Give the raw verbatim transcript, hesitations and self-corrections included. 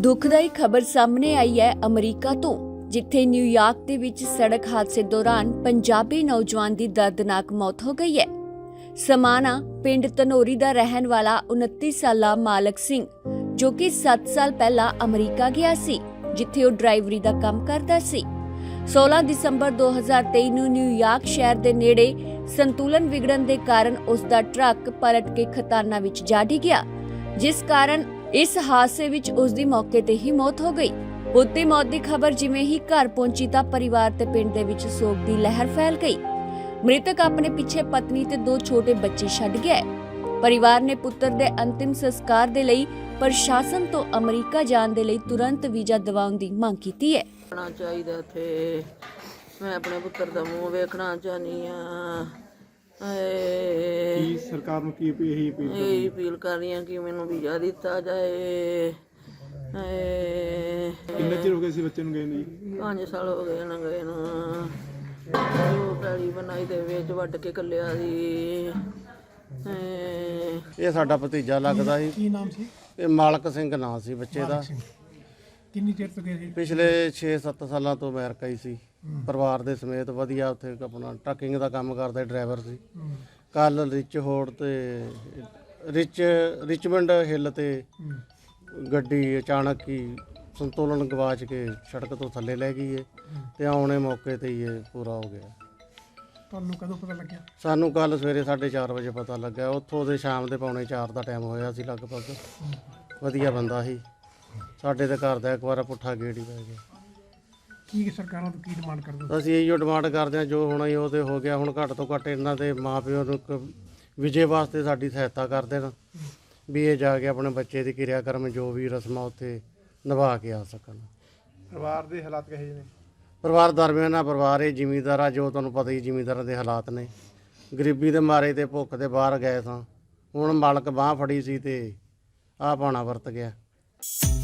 ਦੁਖਦਾਈ ਖਬਰ ਸਾਹਮਣੇ ਆਈ ਹੈ ਅਮਰੀਕਾ ਤੋਂ, ਜਿੱਥੇ ਨਿਊਯਾਰਕ ਦੇ ਵਿੱਚ ਸੜਕ ਹਾਦਸੇ ਦੌਰਾਨ ਪੰਜਾਬੀ ਨੌਜਵਾਨ ਦੀ ਦਰਦਨਾਕ ਮੌਤ ਹੋ ਗਈ ਹੈ। ਸਮਾਣਾ ਪਿੰਡ ਧਨੌਰੀ ਦਾ ਰਹਿਣ ਵਾਲਾ ਉਨੱਤੀ ਸਾਲਾ ਮਾਲਕ ਸਿੰਘ, ਜੋ ਕਿ ਸੱਤ ਸਾਲ ਪਹਿਲਾਂ ਅਮਰੀਕਾ ਗਿਆ ਸੀ, ਜਿੱਥੇ ਉਹ ਡਰਾਈਵਰੀ ਦਾ ਕੰਮ ਕਰਦਾ ਸੀ। सोलह ਦਸੰਬਰ ਦੋ ਹਜ਼ਾਰ ਤੇਈ ਨੂੰ ਨਿਊਯਾਰਕ ਸ਼ਹਿਰ ਦੇ ਨੇੜੇ ਸੰਤੁਲਨ ਵਿਗੜਨ ਦੇ ਕਾਰਨ ਉਸ ਦਾ ਟਰੱਕ ਪਲਟ ਕੇ ਖਤਾਨਾਂ ਵਿੱਚ ਜਾ ਡਿੱਗਿਆ, ਜਿਸ ਕਾਰਨ ਇਸ ਹਾਦਸੇ ਵਿੱਚ ਉਸ ਦੀ ਮੌਕੇ ਤੇ ਹੀ ਮੌਤ ਹੋ ਗਈ। ਉੱਤੇ ਮੌਤ ਦੀ ਖਬਰ ਜਿਵੇਂ ਹੀ ਘਰ ਪਹੁੰਚੀ ਤਾਂ ਪਰਿਵਾਰ ਤੇ ਪਿੰਡ ਦੇ ਵਿੱਚ ਸੋਗ ਦੀ ਲਹਿਰ ਫੈਲ ਗਈ। ਮ੍ਰਿਤਕ ਆਪਣੇ ਪਿੱਛੇ ਪਤਨੀ ਤੇ ਦੋ ਛੋਟੇ ਬੱਚੇ ਛੱਡ ਗਿਆ ਹੈ। ਪਰਿਵਾਰ ਨੇ ਪੁੱਤਰ ਦੇ ਅੰਤਿਮ ਸੰਸਕਾਰ ਦੇ ਲਈ ਪ੍ਰਸ਼ਾਸਨ ਤੋਂ ਅਮਰੀਕਾ ਜਾਣ ਦੇ ਲਈ ਤੁਰੰਤ ਵੀਜ਼ਾ ਦਿਵਾਉਣ ਦੀ ਮੰਗ ਕੀਤੀ ਹੈ। ਚਾਹੀਦਾ ਥੇ ਮੈਂ ਆਪਣੇ ਪੁੱਤਰ ਦਾ ਮੂੰਹ ਵੇਖਣਾ ਚਾਹਨੀ ਆ। ਕੀ ਸਰਕਾਰ ਨੂੰ ਕੀ ਇਹੀ ਅਪੀਲ ਇਹ ਅਪੀਲ ਕਰ ਰਹੀ ਹਾਂ ਕਿ ਮੈਨੂੰ ਵੀਜ਼ਾ ਦਿੱਤਾ ਜਾਏ। ਕਿੰਨੇ ਚਿਰ ਹੋ ਗਏ ਸੀ ਬੱਚੇ ਨੂੰ ਗਏ ਨੂੰ ਜੀ? ਪੰਜ ਸਾਲ ਹੋ ਗਏ ਨਾ ਗਏ ਨੂੰ। ਉਹ ਪੈਲੀ ਬਣਾਈ ਦੇ ਵਿੱਚ ਵੱਢ ਕੇ ਕੱਲਿਆ ਸੀ। ਇਹ ਸਾਡਾ ਭਤੀਜਾ ਲੱਗਦਾ ਸੀ। ਕੀ ਨਾਮ ਸੀ? ਇਹ ਮਾਲਕ ਸਿੰਘ ਨਾਂ ਸੀ ਬੱਚੇ ਦਾ। ਕਿੰਨੀ ਚਿਰ ਤੋਂ ਗਏ ਸੀ? ਪਿਛਲੇ ਛੇ ਸੱਤ ਸਾਲਾਂ ਤੋਂ ਅਮਰੀਕਾ ਹੀ ਸੀ, ਪਰਿਵਾਰ ਦੇ ਸਮੇਤ। ਵਧੀਆ ਉੱਥੇ ਆਪਣਾ ਟਰੱਕਿੰਗ ਦਾ ਕੰਮ ਕਰਦਾ, ਡਰਾਈਵਰ ਸੀ। ਕੱਲ ਰਿਚ ਹੋੜ ਤੇ ਰਿਚ ਰਿਚਮੰਡ ਹਿੱਲ ਤੇ ਗੱਡੀ ਅਚਾਨਕ ਹੀ ਸੰਤੁਲਨ ਗਵਾਚ ਕੇ ਸੜਕ ਤੋਂ ਥੱਲੇ ਲੈ ਗਈ ਹੈ ਤੇ ਆਉਣੇ ਮੌਕੇ ਤੇ ਹੀ ਇਹ ਪੂਰਾ ਹੋ ਗਿਆ। ਤੁਹਾਨੂੰ ਕਦੋਂ ਪਤਾ ਲੱਗਿਆ? ਸਾਨੂੰ ਕੱਲ ਸਵੇਰੇ ਸਾਢੇ ਚਾਰ ਵਜੇ ਪਤਾ ਲੱਗਾ। ਉੱਥੋਂ ਦੇ ਸ਼ਾਮ ਦੇ ਪੌਣੇ ਚਾਰ ਦਾ ਟਾਈਮ ਹੋਇਆ ਸੀ ਲਗਭਗ। ਵਧੀਆ ਬੰਦਾ ਸੀ, ਸਾਡੇ ਦੇ ਘਰ ਦਾ ਇੱਕ ਵਾਰ ਪੁੱਠਾ ਗੇੜ ਹੀ ਪੈ ਗਿਆ। ਕੀ ਸਰਕਾਰਾਂ ਤੋਂ ਕੀ ਡਿਮਾਂਡ ਕਰਦੇ ਹੋ? ਅਸੀਂ ਇਹੋ ਡਿਮਾਂਡ ਕਰਦੇ ਹਾਂ, ਜੋ ਹੋਣਾ ਹੀ ਉਹ ਤੇ ਹੋ ਗਿਆ। ਹੁਣ ਘੱਟ ਤੋਂ ਘੱਟ ਇਹਨਾਂ ਦੇ ਮਾਂ ਪਿਓ ਨੂੰ ਇੱਕ ਵਿਜੇ ਵਾਸਤੇ ਸਾਡੀ ਸਹਾਇਤਾ ਕਰ ਦੇਣ, ਵੀ ਇਹ ਜਾ ਕੇ ਆਪਣੇ ਬੱਚੇ ਦੀ ਕਿਰਿਆਕਰਮ ਜੋ ਵੀ ਰਸਮਾਂ ਉੱਥੇ ਨਿਭਾ ਕੇ ਆ ਸਕਣ। ਪਰਿਵਾਰ ਦੇ ਹਾਲਾਤ ਕਿਹੋ ਜਿਹੇ ਨੇ? ਪਰਿਵਾਰ ਦਰਮਿਆਨਾ ਪਰਿਵਾਰ ਇਹ ਜ਼ਿਮੀਂਦਾਰ ਆ, ਜੋ ਤੁਹਾਨੂੰ ਪਤਾ ਹੀ ਜ਼ਿਮੀਂਦਾਰਾਂ ਦੇ ਹਾਲਾਤ ਨੇ। ਗਰੀਬੀ ਦੇ ਮਾਰੇ ਤੇ ਭੁੱਖ ਦੇ ਬਾਹਰ ਗਏ ਸਾਂ। ਹੁਣ ਮਾਲਕ ਬਾਂਹ ਫੜੀ ਸੀ ਤੇ ਆਹ ਪਾਣਾ ਵਰਤ ਗਿਆ।